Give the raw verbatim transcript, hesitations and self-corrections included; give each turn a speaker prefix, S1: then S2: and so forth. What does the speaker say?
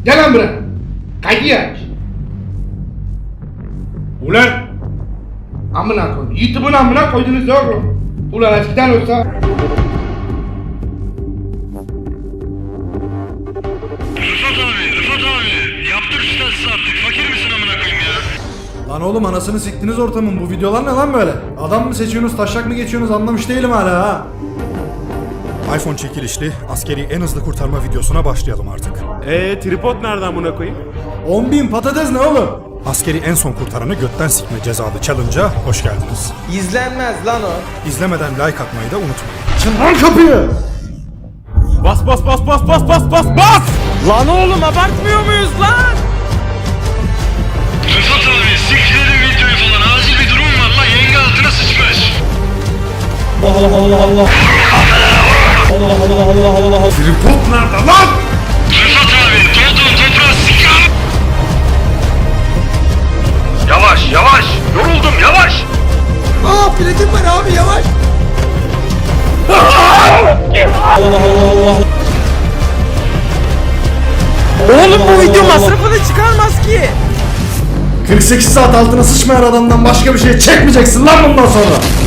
S1: Gel lan buraya. Kaydı aç. Ulan. Amına koyun. YouTube'un amına koydunuz oğlum. Ulan eskiden olsa.
S2: Rıfat abi, Rıfat abi. Yaptık sitesi artık. Fakir misin amına koyayım ya?
S3: Lan oğlum anasını siktiniz ortamın. Bu videolar ne lan böyle? Adam mı seçiyorsunuz, taşak mı geçiyorsunuz anlamış değilim hala ha.
S4: iPhone çekilişli askeri en hızlı kurtarma videosuna başlayalım artık.
S5: Eee tripod nereden buna koyayım?
S3: on bin patates ne oğlum?
S4: Askeri en son kurtaranı götten sikme cezalı challenge'a hoş geldiniz.
S6: İzlenmez lan o.
S4: İzlemeden like atmayı da unutmayın.
S3: Açın lan kapıyı!
S5: Bas bas bas bas bas bas bas bas!
S6: Lan oğlum abartmıyor muyuz lan?
S2: Rıfat abi siktirin videoyu falan. Acil bir durum var lan. Yenge altına sıçmış.
S1: Tripod nerede lan?
S2: Rıfat abi dolduğun toprağı sikam. Yavaş yavaş. Yoruldum yavaş.
S6: Aa platin var abi yavaş. Oğlum bu video masrafını çıkarmaz ki.
S3: kırk sekiz saat altına sıçmayan adamdan başka bir şey çekmeyeceksin lan bundan sonra.